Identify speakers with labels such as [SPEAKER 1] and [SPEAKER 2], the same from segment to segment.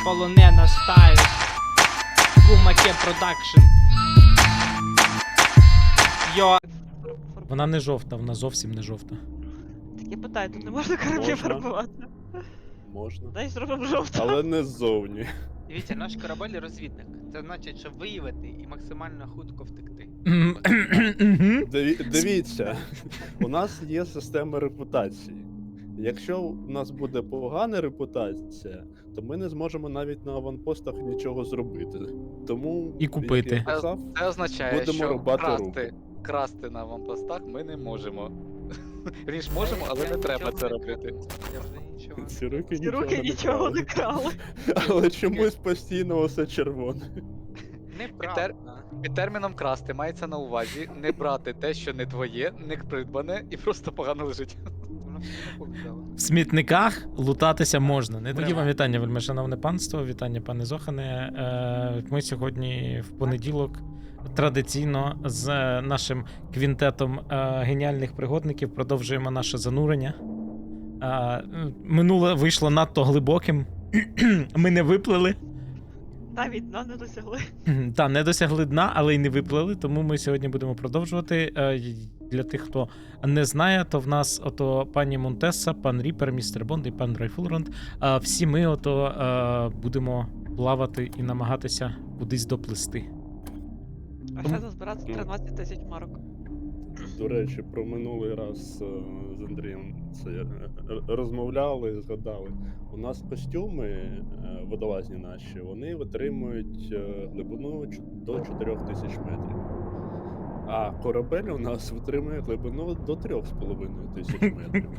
[SPEAKER 1] полонена стайл. Кумаке продакшн. Йо.
[SPEAKER 2] Вона не жовта, вона зовсім не жовта.
[SPEAKER 3] Так я питаю, тут не можна кораблі
[SPEAKER 4] Можна.
[SPEAKER 3] фарбувати.
[SPEAKER 4] Можна.
[SPEAKER 3] Дай зробимо жовто.
[SPEAKER 4] Але не ззовні.
[SPEAKER 1] Дивіться, наш корабель розвідник. Це значить, що виявити і максимально хутко втекти.
[SPEAKER 4] Дивіться, у нас є система репутації. Якщо у нас буде погана репутація, то ми не зможемо навіть на аванпостах нічого зробити. Тому
[SPEAKER 2] І купити.
[SPEAKER 4] як я казав,
[SPEAKER 5] Це означає,
[SPEAKER 4] будемо
[SPEAKER 5] що
[SPEAKER 4] рубати
[SPEAKER 5] красти на аванпостах ми не можемо. Ріж можемо, але не треба це робити.
[SPEAKER 1] Я вже нічого.
[SPEAKER 4] ці руки
[SPEAKER 3] Ці руки нічого не крали.
[SPEAKER 4] Але чомусь постійно все червоне.
[SPEAKER 1] Неправда.
[SPEAKER 5] Під терміном красти мається на увазі не брати те, що не твоє, не придбане і просто погано лежить.
[SPEAKER 1] Воно все не повідало.
[SPEAKER 2] В смітниках лутатися можна. Не тоді
[SPEAKER 1] Прямо.
[SPEAKER 2] вам вітання, вельмишановне панство, вітання, пане Зохане. Ми сьогодні в понеділок традиційно з нашим квінтетом геніальних пригодників продовжуємо наше занурення. Минуле вийшло надто глибоким. Ми не виплили.
[SPEAKER 3] Навіть дна не досягли.
[SPEAKER 2] Та, не досягли дна, але й не виплили, тому ми сьогодні будемо продовжувати. Для тих, хто не знає, то в нас ото пані Монтеса, пан Ріпер, містер Бонд і пан Райфулранд. Всі ми ото будемо плавати і намагатися кудись доплисти.
[SPEAKER 3] А ще назбирати 13 тисяч марок.
[SPEAKER 4] До речі, про минулий раз з Андрієм це розмовляли, згадали. У нас костюми водолазні наші, вони витримують глибину до 4000 метрів. А корабель у нас витримує глибину до 3500 метрів.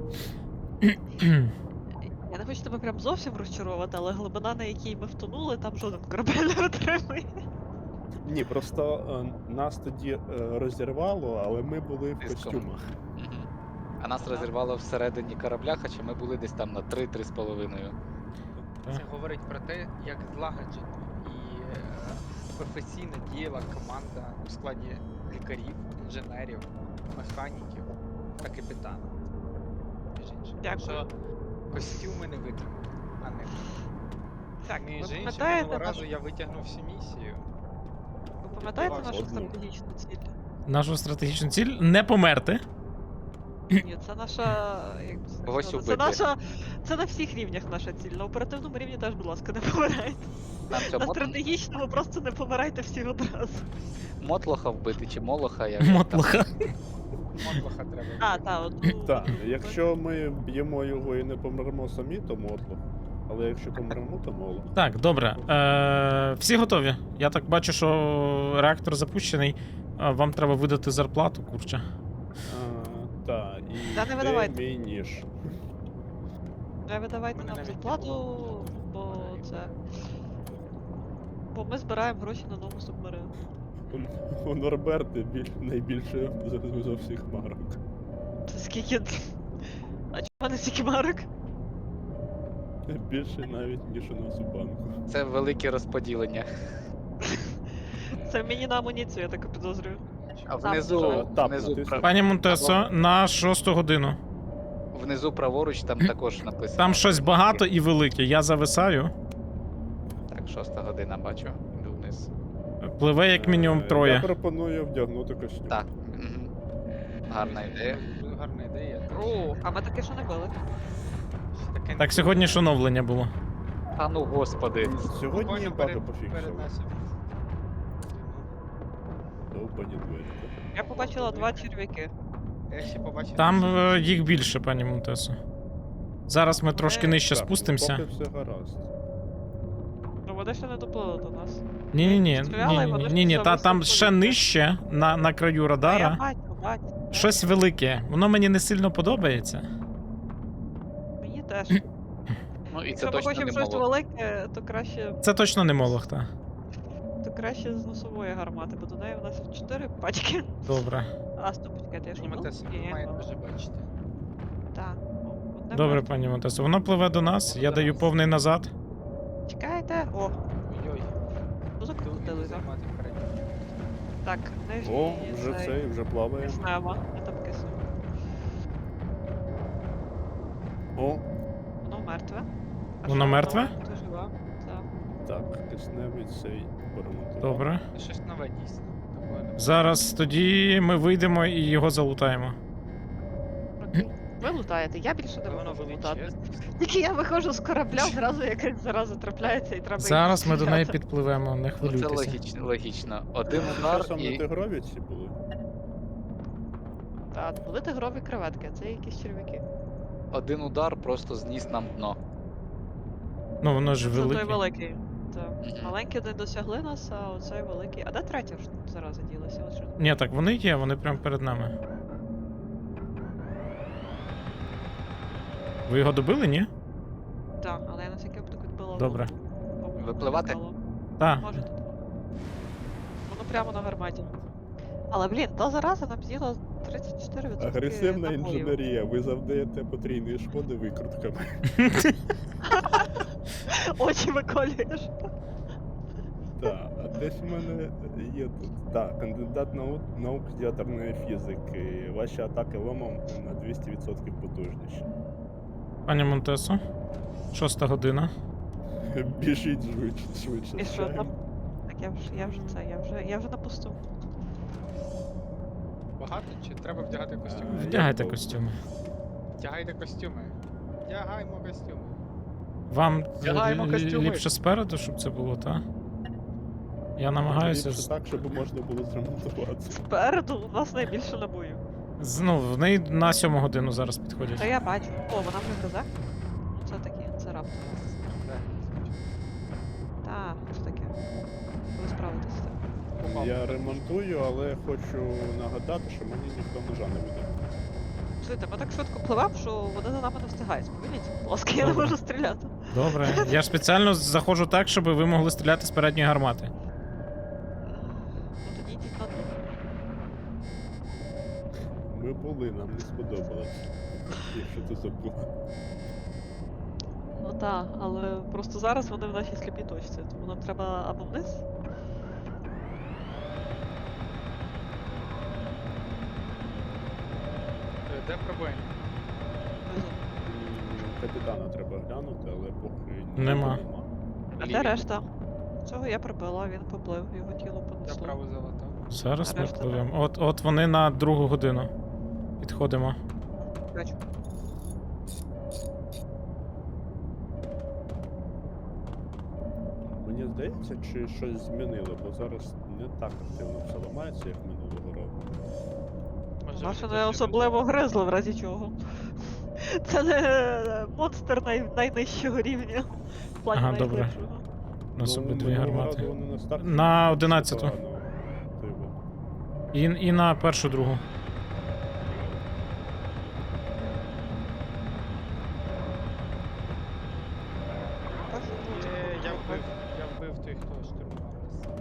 [SPEAKER 3] Я не хочу тебе прям зовсім розчаровувати, але глибина, на якій ми втонули, там жоден корабель не витримує.
[SPEAKER 4] Ні, просто нас тоді розірвало, але ми були в
[SPEAKER 5] Тиском.
[SPEAKER 4] костюмах.
[SPEAKER 5] Мгм. А нас розірвало всередині корабля, хоча ми були десь там на 3-3,5.
[SPEAKER 1] Це говорить про те, як злагоджено і професійно діяла команда у складі лікарів, інженерів, механіків та капітана. Між іншим.
[SPEAKER 3] Дякую.
[SPEAKER 1] Що костюми не витримали, а не
[SPEAKER 3] Так,
[SPEAKER 1] між
[SPEAKER 3] ви
[SPEAKER 1] іншим,
[SPEAKER 3] пам'ятаєте
[SPEAKER 1] минулого разу
[SPEAKER 3] нашу,
[SPEAKER 1] я витягнув всю місію.
[SPEAKER 3] ви пам'ятаєте нашу
[SPEAKER 4] Одну.
[SPEAKER 3] стратегічну ціль?
[SPEAKER 2] Нашу стратегічну ціль не померти.
[SPEAKER 3] Ні, це наша, як би це
[SPEAKER 5] Когось
[SPEAKER 3] сказати,
[SPEAKER 5] убити.
[SPEAKER 3] це на всіх рівнях наша ціль. На оперативному рівні теж, будь ласка, не помирайте.
[SPEAKER 5] Нам що,
[SPEAKER 3] На стратегічному просто не помирайте всі одразу.
[SPEAKER 5] мотлоха вбити чи молоха? Як
[SPEAKER 2] Мотлоха.
[SPEAKER 1] Мотлоха треба.
[SPEAKER 3] А, так, от.
[SPEAKER 4] Так, якщо ми б'ємо його і не помремо самі, то мотлох. Але якщо помремо, то молох.
[SPEAKER 2] Так, добре. Всі готові? Я так бачу, що реактор запущений. Вам треба видати зарплату, курча.
[SPEAKER 4] Так, і
[SPEAKER 3] Та не
[SPEAKER 4] де
[SPEAKER 3] видавайте.
[SPEAKER 4] мій ніж?
[SPEAKER 3] Не видавайте
[SPEAKER 1] Мене
[SPEAKER 3] нам
[SPEAKER 1] навіть не
[SPEAKER 3] зарплату, бо це. Бо ми збираємо гроші на нову субмарину.
[SPEAKER 4] У Норберти найбільше за всіх марок.
[SPEAKER 3] Це скільки. А чого в мене стільки марок?
[SPEAKER 4] Більше навіть, ніж у нас у банку.
[SPEAKER 5] Це велике розподілення.
[SPEAKER 3] Це мені на амуніцію, я так підозрюю.
[SPEAKER 5] А
[SPEAKER 3] Там
[SPEAKER 5] внизу,
[SPEAKER 3] вже.
[SPEAKER 4] Тап
[SPEAKER 5] внизу,
[SPEAKER 4] натиснути.
[SPEAKER 2] Пані Монтесо, на 6 годину.
[SPEAKER 5] внизу праворуч там також написано.
[SPEAKER 2] Там щось багато і велике. Я зависаю.
[SPEAKER 5] Так, 6 година бачу. Йду вниз.
[SPEAKER 2] Пливе як мінімум
[SPEAKER 4] Я
[SPEAKER 2] троє.
[SPEAKER 4] пропоную вдягнути костюм.
[SPEAKER 5] Так. Мгм. Гарна ідея.
[SPEAKER 1] Дуже гарна ідея.
[SPEAKER 3] О, а ми таке що не били.
[SPEAKER 1] Ще таке не
[SPEAKER 2] Так, сьогодні ж оновлення було.
[SPEAKER 5] А ну господи.
[SPEAKER 4] Сьогодні
[SPEAKER 1] Буквально
[SPEAKER 4] баги
[SPEAKER 1] перед
[SPEAKER 4] пофіксили.
[SPEAKER 1] нашим.
[SPEAKER 4] Довбані двері.
[SPEAKER 3] Я побачила два черв'яки.
[SPEAKER 1] Я ще побачив.
[SPEAKER 2] Там їх більше, пані Монтесо. Зараз ми трошки нижче
[SPEAKER 4] Так,
[SPEAKER 2] спустимося.
[SPEAKER 4] поки все гаразд.
[SPEAKER 3] Ну вони ще не доплили до нас.
[SPEAKER 2] Ні-ні-ні,
[SPEAKER 3] Стріляли, і вони ж
[SPEAKER 2] ні-ні,
[SPEAKER 3] зависли
[SPEAKER 2] там
[SPEAKER 3] в
[SPEAKER 2] ще
[SPEAKER 3] повітрі.
[SPEAKER 2] нижче, на краю
[SPEAKER 3] Я
[SPEAKER 2] радара.
[SPEAKER 3] бачу.
[SPEAKER 2] Щось велике. Воно мені не сильно подобається.
[SPEAKER 3] Мені теж.
[SPEAKER 5] Ну і
[SPEAKER 3] Якщо
[SPEAKER 5] це
[SPEAKER 3] ми
[SPEAKER 5] точно
[SPEAKER 3] хочемо
[SPEAKER 5] не
[SPEAKER 3] щось
[SPEAKER 5] молот.
[SPEAKER 3] велике,
[SPEAKER 2] Це точно не молох, та.
[SPEAKER 3] то краще з носової гармати, бо до неї у нас 4 пачки.
[SPEAKER 2] Добре.
[SPEAKER 3] А, стоп, чекайте, я ж
[SPEAKER 1] Знімете собі,
[SPEAKER 3] Ні,
[SPEAKER 1] має дуже бачити.
[SPEAKER 3] Так. Одне
[SPEAKER 2] Добре,
[SPEAKER 3] мертве.
[SPEAKER 2] пані Монтесо. Воно пливе до нас, я даю повний назад.
[SPEAKER 3] Чекайте. О,
[SPEAKER 1] Ой-ой.
[SPEAKER 3] ну закрутили. так.
[SPEAKER 1] Займати передню.
[SPEAKER 3] Так, нижній
[SPEAKER 4] О, вже цей, вже плаває.
[SPEAKER 3] Киснемо. Я там кисну.
[SPEAKER 4] О,
[SPEAKER 3] Воно мертве. А
[SPEAKER 2] Воно
[SPEAKER 3] що,
[SPEAKER 2] мертве?
[SPEAKER 3] Ти жива? Так.
[SPEAKER 4] Так, кисневий цей поремонтував.
[SPEAKER 2] Добре.
[SPEAKER 1] Щось нове дійсно. Такое не-
[SPEAKER 2] Зараз тоді ми вийдемо і його залутаємо.
[SPEAKER 3] Окей. Ви лутаєте, я більше не
[SPEAKER 1] Воно
[SPEAKER 3] можу
[SPEAKER 1] буде
[SPEAKER 3] лутати.
[SPEAKER 1] чесно.
[SPEAKER 3] Тільки я виходжу з корабля, зразу якась зараза трапляється і треба.
[SPEAKER 2] Зараз ми до неї
[SPEAKER 3] підпливемо.
[SPEAKER 2] підпливемо, не
[SPEAKER 5] Ну, це
[SPEAKER 2] хвилюйтеся.
[SPEAKER 5] логічно, логічно. Один
[SPEAKER 4] Вони
[SPEAKER 5] удар
[SPEAKER 4] часом на
[SPEAKER 5] і
[SPEAKER 4] тигрові ці були.
[SPEAKER 3] Так, були тигрові креветки, а це якісь черв'яки.
[SPEAKER 5] один удар просто зніс нам дно.
[SPEAKER 2] Ну, воно ж
[SPEAKER 3] Це той
[SPEAKER 2] велике.
[SPEAKER 3] великий. Так.
[SPEAKER 5] Мгм.
[SPEAKER 3] Маленькі не досягли нас, а оцей великий. А де третя ж зараза ділася? От що?
[SPEAKER 2] Ні, так вони є, вони прямо перед нами. Ви його добили, ні?
[SPEAKER 3] Так, але я на всякий випадок відбила.
[SPEAKER 2] Добре.
[SPEAKER 3] воду.
[SPEAKER 5] Випливати?
[SPEAKER 3] Впало.
[SPEAKER 2] Так.
[SPEAKER 3] Можете. Воно прямо на гарматі. Але, блін, та зараза нам з'їла 34%
[SPEAKER 4] Агресивна
[SPEAKER 3] набоїв.
[SPEAKER 4] інженерія. Ви завдаєте потрійної шкоди викрутками.
[SPEAKER 3] Очі виколюєш.
[SPEAKER 4] Так, а десь в мене є тут. Так, кандидат наук з ядерної фізики. Ваші атаки ломом на 200% потужніші.
[SPEAKER 2] Пані Монтесо, 6 година.
[SPEAKER 4] Біжіть швидше.
[SPEAKER 3] І що там? Так я вже це, я вже на посту.
[SPEAKER 1] Багато чи треба вдягати костюми?
[SPEAKER 2] Вдягайте костюми.
[SPEAKER 1] Вдягайте костюми. Вдягаймо костюми.
[SPEAKER 2] Вам
[SPEAKER 5] Вдягаємо костюми.
[SPEAKER 2] ліпше спереду, щоб це було, так? Я намагаюся.
[SPEAKER 4] Ліпше так, щоб можна було зремонтуватися.
[SPEAKER 3] Спереду у нас найбільше набоїв.
[SPEAKER 2] Ну, вони на 7 годину зараз підходять.
[SPEAKER 3] Та я бачу. О, вона вже казак? Це таке, це раптом. Так, це таке. Ви справитесь з цим.
[SPEAKER 4] Я ремонтую, але хочу нагадати, що мені ніхто ножа не буде.
[SPEAKER 3] Слухайте, ми так швидко пливемо, що вони за нами не встигають. Сповільніться, будь ласка, я не
[SPEAKER 2] Добре.
[SPEAKER 3] можу стріляти.
[SPEAKER 2] Добре. Я ж спеціально заходжу так, щоб ви могли стріляти з передньої гармати.
[SPEAKER 3] Ну тоді йдіть на дно.
[SPEAKER 4] Ми були, нам не сподобалось. Якщо ти забула.
[SPEAKER 3] Ну так, але просто зараз вони в нашій сліпій точці, тому нам треба або вниз.
[SPEAKER 1] Де пробоїнь?
[SPEAKER 3] Внизу.
[SPEAKER 4] Капітана треба глянути, але поки
[SPEAKER 2] Нема.
[SPEAKER 3] А де решта? Цього я прибила, він поплив, його тіло
[SPEAKER 1] Я
[SPEAKER 3] понесло.
[SPEAKER 1] право залатав.
[SPEAKER 2] Зараз ми
[SPEAKER 3] Решта,
[SPEAKER 2] пливемо. От вони на 2 годину. Підходимо.
[SPEAKER 3] Бачу.
[SPEAKER 4] Мені здається, чи щось змінили, бо зараз не так активно все ламається, як минулого року.
[SPEAKER 1] Може,
[SPEAKER 3] Наші
[SPEAKER 1] вони
[SPEAKER 3] не
[SPEAKER 1] досі
[SPEAKER 3] особливо гризли, в разі чого. Це не монстр найнижчого рівня. В плані
[SPEAKER 2] Ага, добре.
[SPEAKER 3] найглибшого.
[SPEAKER 2] У нас обидві
[SPEAKER 4] минулого
[SPEAKER 2] гармати.
[SPEAKER 4] разу вони на старті
[SPEAKER 2] На
[SPEAKER 4] все
[SPEAKER 2] 11-ту.
[SPEAKER 4] погано. Типу,
[SPEAKER 2] І на першу другу.
[SPEAKER 3] Так, ну,
[SPEAKER 1] Я вбив той, хто штурмував нас.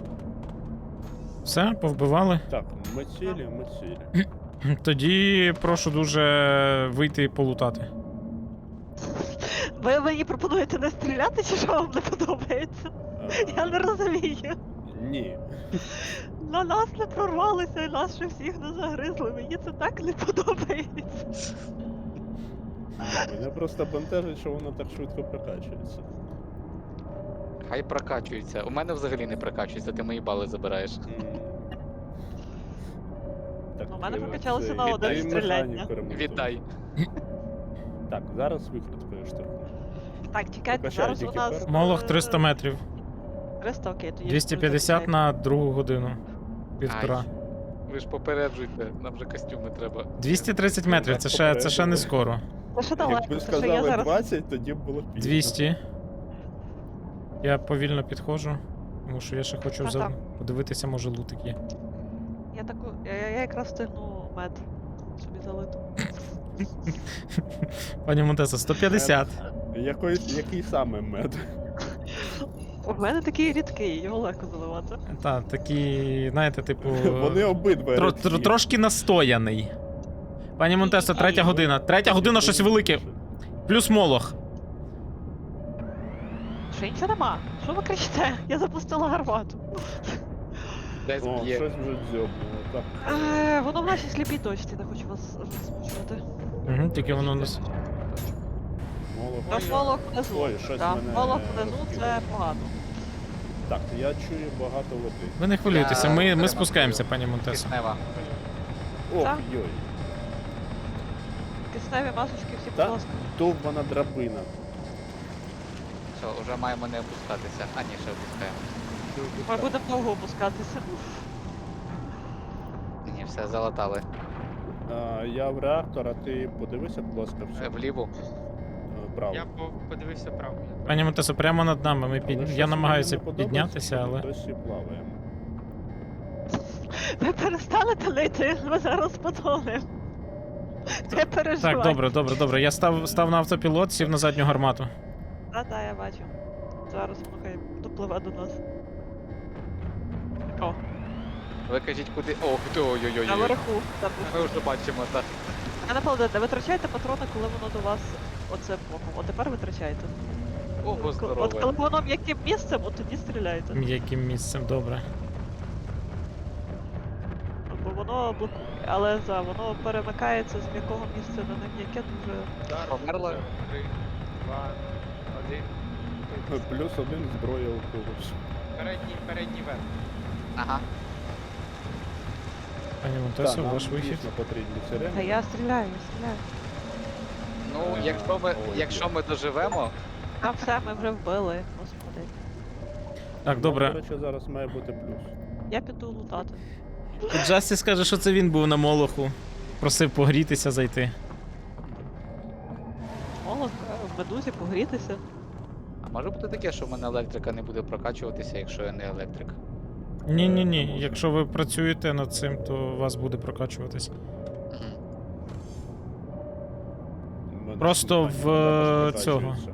[SPEAKER 2] Все, повбивали.
[SPEAKER 4] Так, ми цілі.
[SPEAKER 2] Тоді прошу дуже вийти і полутати.
[SPEAKER 3] Ви мені пропонуєте не стріляти, чи що вам не подобається? Я не розумію.
[SPEAKER 4] Ні.
[SPEAKER 3] На нас не прорвалися і нас ще всіх не загризли. Мені це так не подобається.
[SPEAKER 4] Мене просто бентежить, що воно так швидко прокачується.
[SPEAKER 5] Хай прокачується. У мене взагалі не прокачується, ти мої бали забираєш.
[SPEAKER 4] Так,
[SPEAKER 3] У мене
[SPEAKER 4] е,
[SPEAKER 3] прокачалося
[SPEAKER 4] це
[SPEAKER 3] на один
[SPEAKER 4] віддай
[SPEAKER 3] стріляння.
[SPEAKER 4] механіку ремонтую.
[SPEAKER 5] Віддай.
[SPEAKER 4] Так, зараз викруткою штурму.
[SPEAKER 3] Так, чекайте,
[SPEAKER 4] Прокачай
[SPEAKER 3] зараз у
[SPEAKER 4] тільки
[SPEAKER 3] нас...
[SPEAKER 4] перший.
[SPEAKER 2] Молох 300 метрів.
[SPEAKER 3] 300, окей, тоді...
[SPEAKER 2] 250 на 2 годину. Півтора.
[SPEAKER 5] Ай. Ви ж попереджуйте, нам вже костюми треба.
[SPEAKER 2] 230 метрів, це ще не скоро.
[SPEAKER 3] Це ще далеко,
[SPEAKER 4] Якби
[SPEAKER 3] це ще я
[SPEAKER 4] сказали
[SPEAKER 3] зараз...
[SPEAKER 4] 20, тоді б було пізно.
[SPEAKER 2] 200. Я повільно підходжу, тому що я ще хочу
[SPEAKER 3] Ага.
[SPEAKER 2] подивитися, може лутик є.
[SPEAKER 3] Я таку... Я якраз встигну мед собі залити.
[SPEAKER 2] Пані Монтесо, 150.
[SPEAKER 4] Який саме мед?
[SPEAKER 3] У мене такий рідкий, його легко заливати.
[SPEAKER 2] Та, такі, знаєте, типу.
[SPEAKER 4] Вони обидва рідкі.
[SPEAKER 2] Трошки настояний. Пані Монтесо, 3 година. 3 година щось велике. Плюс молох.
[SPEAKER 3] Ще нічого нема. Що ви кричите? Я запустила гармату.
[SPEAKER 5] Десь
[SPEAKER 4] О,
[SPEAKER 5] б'є.
[SPEAKER 4] щось вже дзьобнуло. Так.
[SPEAKER 3] Воно в нашій сліпій точці, не хочу вас засмучувати.
[SPEAKER 2] Угу, тільки воно нас.
[SPEAKER 4] Молох
[SPEAKER 3] Тож молох внизу.
[SPEAKER 4] Ой, щось
[SPEAKER 3] Да,
[SPEAKER 4] мене
[SPEAKER 3] молох внизу це
[SPEAKER 4] розкидало.
[SPEAKER 3] погано.
[SPEAKER 4] Так, я чую багато води.
[SPEAKER 2] Ви не хвилюйтеся,
[SPEAKER 5] Я
[SPEAKER 2] ми
[SPEAKER 5] перемонтую.
[SPEAKER 2] спускаємося, пані Монтесо.
[SPEAKER 5] Киснева.
[SPEAKER 4] Ох,
[SPEAKER 3] Так.
[SPEAKER 4] йой.
[SPEAKER 3] Кисневі масочки всі, будь
[SPEAKER 4] Так.
[SPEAKER 3] ласка.
[SPEAKER 4] Довбана драбина.
[SPEAKER 5] Все, вже маємо не опускатися. А ні, ще опускаємо.
[SPEAKER 3] Ми будемо довго опускатися.
[SPEAKER 5] Ні, все, залатали.
[SPEAKER 4] Я в реактор, а ти подивися, будь ласка, все
[SPEAKER 5] Вліву.
[SPEAKER 4] право.
[SPEAKER 1] Я подивився право.
[SPEAKER 2] Пані Монтесо, прямо над нами.
[SPEAKER 4] Але щось
[SPEAKER 2] Я намагаюся
[SPEAKER 4] мені не подобається,
[SPEAKER 2] піднятися,
[SPEAKER 4] що ми
[SPEAKER 2] але.
[SPEAKER 4] досі плаваємо.
[SPEAKER 3] Ви перестанете лити, ми зараз потонемо. Не переживай.
[SPEAKER 2] Так, добре. Я став на автопілот, сів на задню гармату.
[SPEAKER 3] Та, я бачу. Зараз воно хай допливе до нас. О,
[SPEAKER 5] Ви кажіть куди. Ох, ти ой-ой-ой.
[SPEAKER 3] наверху. Там
[SPEAKER 5] Ми вже бачимо, так.
[SPEAKER 3] не паладин, не витрачайте патрони, коли воно до вас оце боком. От тепер витрачайте.
[SPEAKER 5] Ого,
[SPEAKER 3] От
[SPEAKER 5] здорове.
[SPEAKER 3] коли воно м'яким місцем, от тоді стріляйте.
[SPEAKER 2] М'яким місцем, добре.
[SPEAKER 3] Бо воно блокує. Але воно перемикається з м'якого місця на нем'яке дуже.
[SPEAKER 5] Померла?
[SPEAKER 1] 3, 2, 1.
[SPEAKER 4] Плюс один зброя у когось.
[SPEAKER 1] Передній верх.
[SPEAKER 5] Ага.
[SPEAKER 2] Пані
[SPEAKER 4] Так,
[SPEAKER 2] Монтесо,
[SPEAKER 4] нам
[SPEAKER 2] ваш вихід.
[SPEAKER 4] дійсно потрібні сирени.
[SPEAKER 3] Та я стріляю.
[SPEAKER 5] Ну,
[SPEAKER 4] Ой,
[SPEAKER 5] якщо ми доживемо,
[SPEAKER 3] А все, ми вже вбили, господи.
[SPEAKER 2] Так,
[SPEAKER 4] До
[SPEAKER 2] добре.
[SPEAKER 4] речі, зараз має бути плюс.
[SPEAKER 3] Я піду лутати.
[SPEAKER 2] Тут Джастіс каже, що це він був на молоху. Просив погрітися, зайти.
[SPEAKER 3] Молох, в медузі погрітися.
[SPEAKER 5] а може бути таке, що в мене електрика не буде прокачуватися, якщо я не електрик.
[SPEAKER 2] Ні. Якщо ви працюєте над цим, то у вас буде прокачуватись.
[SPEAKER 5] Мгм.
[SPEAKER 4] У мене
[SPEAKER 2] Просто
[SPEAKER 4] питання,
[SPEAKER 2] в
[SPEAKER 4] також
[SPEAKER 2] цього.
[SPEAKER 4] прокачується.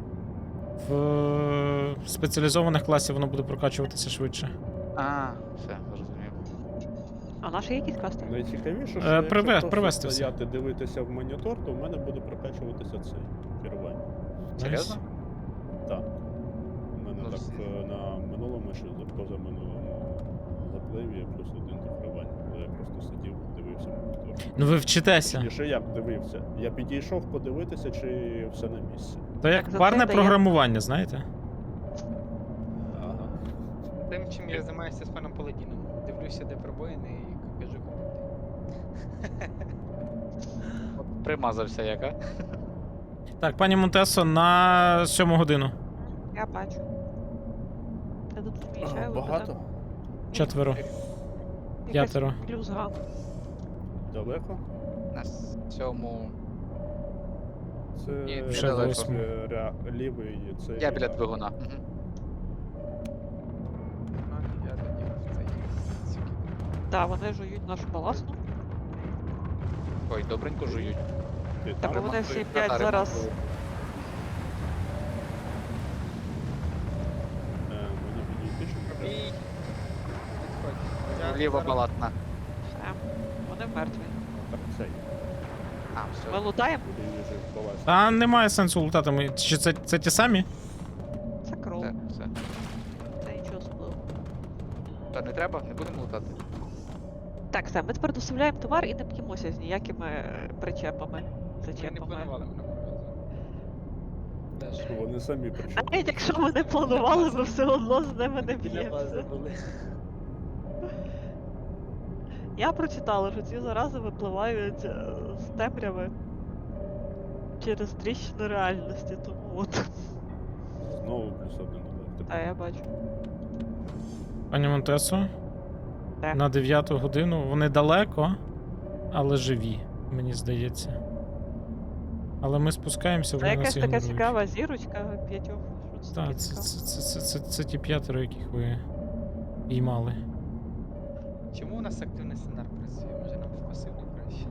[SPEAKER 2] В спеціалізованих класів воно буде прокачуватися швидше.
[SPEAKER 5] А, все, зрозумів.
[SPEAKER 3] А наші якісь касти?
[SPEAKER 4] Найцікавіше, що
[SPEAKER 2] привести
[SPEAKER 4] якщо просто
[SPEAKER 2] все.
[SPEAKER 4] стояти, дивитися в монітор, то в мене буде прокачуватися цей керування.
[SPEAKER 5] Серйозно?
[SPEAKER 4] Так. У мене
[SPEAKER 5] Ну,
[SPEAKER 4] так
[SPEAKER 5] все.
[SPEAKER 4] на минулому чи позаминулому запливі я плюс один до керування. Коли я просто сидів, дивився монітор.
[SPEAKER 2] Ну ви вчитеся.
[SPEAKER 4] Точніше, як дивився? Я підійшов подивитися, чи все на місці.
[SPEAKER 2] То як
[SPEAKER 3] Так, за
[SPEAKER 2] парне
[SPEAKER 3] це дає-
[SPEAKER 2] програмування, знаєте?
[SPEAKER 4] Ага.
[SPEAKER 1] Тим, чим я займаюся з паном Паладіном. Дивлюся, де пробоїни і кажу купити.
[SPEAKER 5] Примазався як, а?
[SPEAKER 2] Так, пані Монтесо, на 7 годину.
[SPEAKER 3] Я бачу. Я тут
[SPEAKER 4] Ага,
[SPEAKER 3] змічаю.
[SPEAKER 4] багато?
[SPEAKER 2] Четверо. П'ятеро.
[SPEAKER 3] Плюс-га.
[SPEAKER 4] Далеко?
[SPEAKER 5] На 7.
[SPEAKER 4] Це
[SPEAKER 5] Ні,
[SPEAKER 2] Вже
[SPEAKER 5] недалеко.
[SPEAKER 2] восьмо.
[SPEAKER 4] лівий, це
[SPEAKER 5] Я біля двигуна. Мгм.
[SPEAKER 1] Я тоді в цей сюди.
[SPEAKER 3] Так, вони жують нашу баласну.
[SPEAKER 5] Ой, добренько жують.
[SPEAKER 4] Ти
[SPEAKER 3] Так,
[SPEAKER 4] там?
[SPEAKER 3] вони всі
[SPEAKER 5] ремонтують,
[SPEAKER 3] 5
[SPEAKER 5] та,
[SPEAKER 3] зараз.
[SPEAKER 5] ремонтують.
[SPEAKER 4] Мені підійти, щоб
[SPEAKER 1] Пробій. Підходь. Я
[SPEAKER 5] Вліво
[SPEAKER 1] зараз-
[SPEAKER 5] балатна.
[SPEAKER 3] Все. Вони мертві.
[SPEAKER 4] так цей.
[SPEAKER 5] А,
[SPEAKER 3] Ми
[SPEAKER 5] все.
[SPEAKER 3] лутаємо?
[SPEAKER 4] Куди він вже впалась.
[SPEAKER 2] Та немає сенсу лутати. Чи це ті самі?
[SPEAKER 3] Це кров.
[SPEAKER 5] Так, все.
[SPEAKER 3] Це нічого особливого.
[SPEAKER 5] Та не треба, не будемо лутати.
[SPEAKER 3] Так, все, ми тепер доставляємо товар і не п'ємося з ніякими причепами.
[SPEAKER 1] Ми не
[SPEAKER 3] Зачепами.
[SPEAKER 1] планували минулого разу. Теж.
[SPEAKER 4] Вони самі причому.
[SPEAKER 3] Навіть якщо ми не планували, ми все одно з ними не б'ємося. Я прочитала, що ці зарази випливають з темряви через тріщину реальності, тому от.
[SPEAKER 4] Знову плюс один електрик.
[SPEAKER 3] А я бачу.
[SPEAKER 2] Пані Монтесо?
[SPEAKER 3] Так.
[SPEAKER 2] На 9 годину. Вони далеко, але живі, мені здається. Але ми спускаємося,
[SPEAKER 3] Це
[SPEAKER 2] вони нас
[SPEAKER 3] якась така
[SPEAKER 2] ігнорують.
[SPEAKER 3] цікава зірочка п'ятьох. Що це таке
[SPEAKER 2] Так,
[SPEAKER 3] цікаве?
[SPEAKER 2] це ті 5, яких ви піймали.
[SPEAKER 1] Чому у нас активний сценар працює? Може нам в пасивний краще?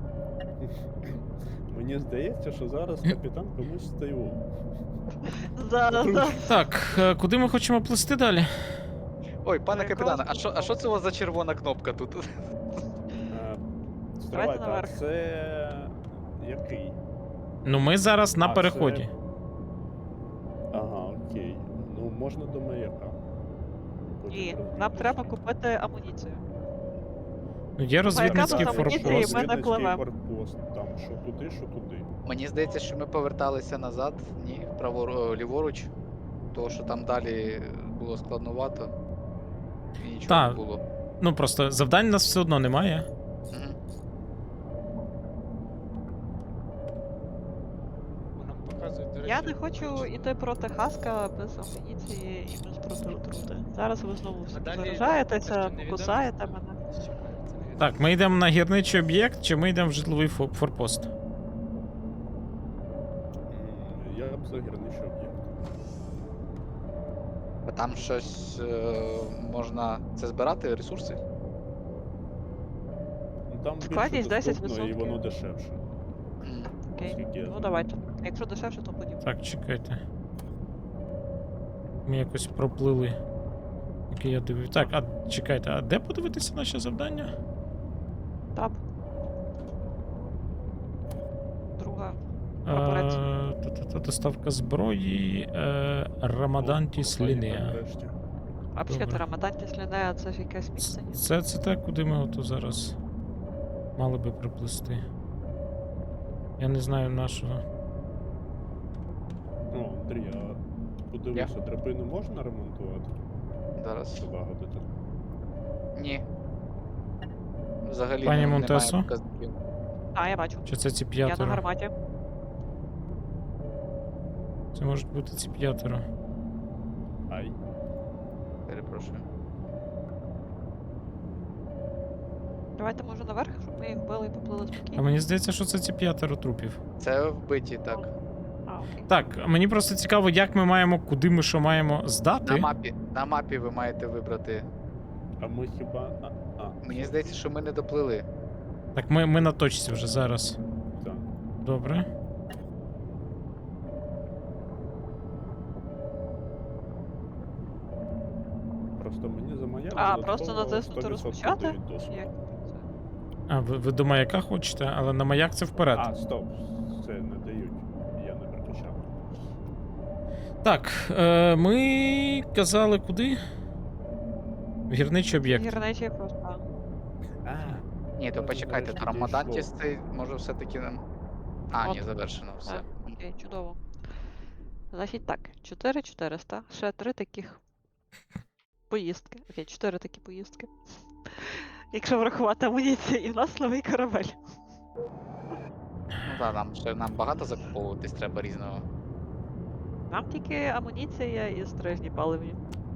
[SPEAKER 4] Мені здається, що зараз капітан комусь стаю.
[SPEAKER 3] За.
[SPEAKER 2] Так, куди ми хочемо плисти далі?
[SPEAKER 5] Ой, пане
[SPEAKER 3] Якраз
[SPEAKER 5] капітане, а що це у вас за червона кнопка тут?
[SPEAKER 4] Стривайте, а
[SPEAKER 3] наверх.
[SPEAKER 4] це який?
[SPEAKER 2] Ну, ми зараз на
[SPEAKER 4] А, це-
[SPEAKER 2] переході.
[SPEAKER 4] Ага, окей. Ну, можна до маяка. Потім
[SPEAKER 3] Ні,
[SPEAKER 4] роздивлюсь.
[SPEAKER 3] нам треба купити амуніцію.
[SPEAKER 2] Ну, є розвідницький
[SPEAKER 3] там амуніції,
[SPEAKER 2] форпост.
[SPEAKER 3] ми не пливемо.
[SPEAKER 4] форпост, там що туди, що туди.
[SPEAKER 5] Мені здається, що ми поверталися назад, ні, ліворуч. Тому що там далі було складновато. І нічого
[SPEAKER 2] Та.
[SPEAKER 5] не було.
[SPEAKER 2] Ну просто завдань у нас все одно немає.
[SPEAKER 5] Мгм.
[SPEAKER 1] Бо нам показують, до речі,
[SPEAKER 3] Я не хочу йти проти Хаска без амуніції і без протиотрути. Зараз ви знову всі
[SPEAKER 1] А далі
[SPEAKER 3] заражаєтеся,
[SPEAKER 1] це що, невідомо?
[SPEAKER 3] кусаєте мене.
[SPEAKER 1] Чекай, це невідомо.
[SPEAKER 2] Так, ми йдемо на гірничий об'єкт, чи ми йдемо в житловий форпост?
[SPEAKER 4] Я б за гірничий об'єкт.
[SPEAKER 5] А там щось можна це збирати, ресурси?
[SPEAKER 4] Ну, там більше
[SPEAKER 3] Складність
[SPEAKER 4] доступно і
[SPEAKER 3] 10%.
[SPEAKER 4] воно дешевше.
[SPEAKER 5] М.
[SPEAKER 3] Окей.
[SPEAKER 4] Скільки я
[SPEAKER 3] Ну
[SPEAKER 4] знаю.
[SPEAKER 3] давайте. Якщо дешевше, то будемо.
[SPEAKER 2] Так, чекайте. Ми якось проплили. Окей, я дивлюсь. Так, а чекайте, а де подивитися наші завдання?
[SPEAKER 3] Таб. Друга. Прапорець.
[SPEAKER 2] Та доставка зброї. Рамадантіс
[SPEAKER 4] О,
[SPEAKER 2] лінія.
[SPEAKER 4] нарешті.
[SPEAKER 3] А взагалі
[SPEAKER 2] Добре.
[SPEAKER 3] Рамадантіс Лінея це ж якесь місце. ні?
[SPEAKER 2] Це те, куди ми ото зараз мали би приплисти. Я не знаю нашого.
[SPEAKER 4] О, Андрій, а подивися, драбину можна ремонтувати?
[SPEAKER 5] Зараз.
[SPEAKER 4] Залагодити?
[SPEAKER 5] Ні. Взагалі
[SPEAKER 2] Пані
[SPEAKER 5] немає
[SPEAKER 2] Монтесо?
[SPEAKER 5] показників.
[SPEAKER 3] А, я бачу.
[SPEAKER 2] Чи це ці
[SPEAKER 3] Я на
[SPEAKER 2] п'ятеро?
[SPEAKER 3] гарматі.
[SPEAKER 2] Це можуть бути ці п'ятеро.
[SPEAKER 4] Ай.
[SPEAKER 5] Перепрошую.
[SPEAKER 3] Давайте може наверх, щоб ми їх вбили і поплили
[SPEAKER 2] А
[SPEAKER 3] спокійно.
[SPEAKER 2] мені здається, що це ці п'ятеро трупів.
[SPEAKER 5] Це вбиті, так.
[SPEAKER 3] А, окей.
[SPEAKER 2] Так, мені просто цікаво, як ми маємо, куди ми що маємо здати.
[SPEAKER 5] На мапі ви маєте вибрати.
[SPEAKER 4] А ми хіба.
[SPEAKER 5] Мені здається, що ми не доплили.
[SPEAKER 2] Так, ми на точці вже зараз.
[SPEAKER 4] Так.
[SPEAKER 2] Добре.
[SPEAKER 4] Просто мені за маяк.
[SPEAKER 3] А,
[SPEAKER 4] додатково
[SPEAKER 3] просто натиснути
[SPEAKER 4] 100%
[SPEAKER 3] розпочати?
[SPEAKER 4] дають досвід.
[SPEAKER 3] Як це?
[SPEAKER 2] А, ви до маяка хочете, але на маяк це вперед.
[SPEAKER 4] А, стоп, це не дають. Я не переключав.
[SPEAKER 2] Так, ми казали куди? В гірничий об'єкт.
[SPEAKER 3] Гірничий просто.
[SPEAKER 5] Ні, то
[SPEAKER 4] Це
[SPEAKER 5] почекайте,
[SPEAKER 4] нарешті
[SPEAKER 5] то Рамадантіс
[SPEAKER 4] дійшло.
[SPEAKER 5] це може все-таки нам. А, ні,
[SPEAKER 3] От.
[SPEAKER 5] завершено все.
[SPEAKER 3] Так, окей, чудово. Значить так, 4400, ще 3 таких поїздки. Окей, 4 такі поїздки. Якщо врахувати амуніцію, і в нас новий корабель.
[SPEAKER 5] Ну так, нам багато закуповуватись треба різного.
[SPEAKER 3] Нам тільки амуніція і стрижні паливні.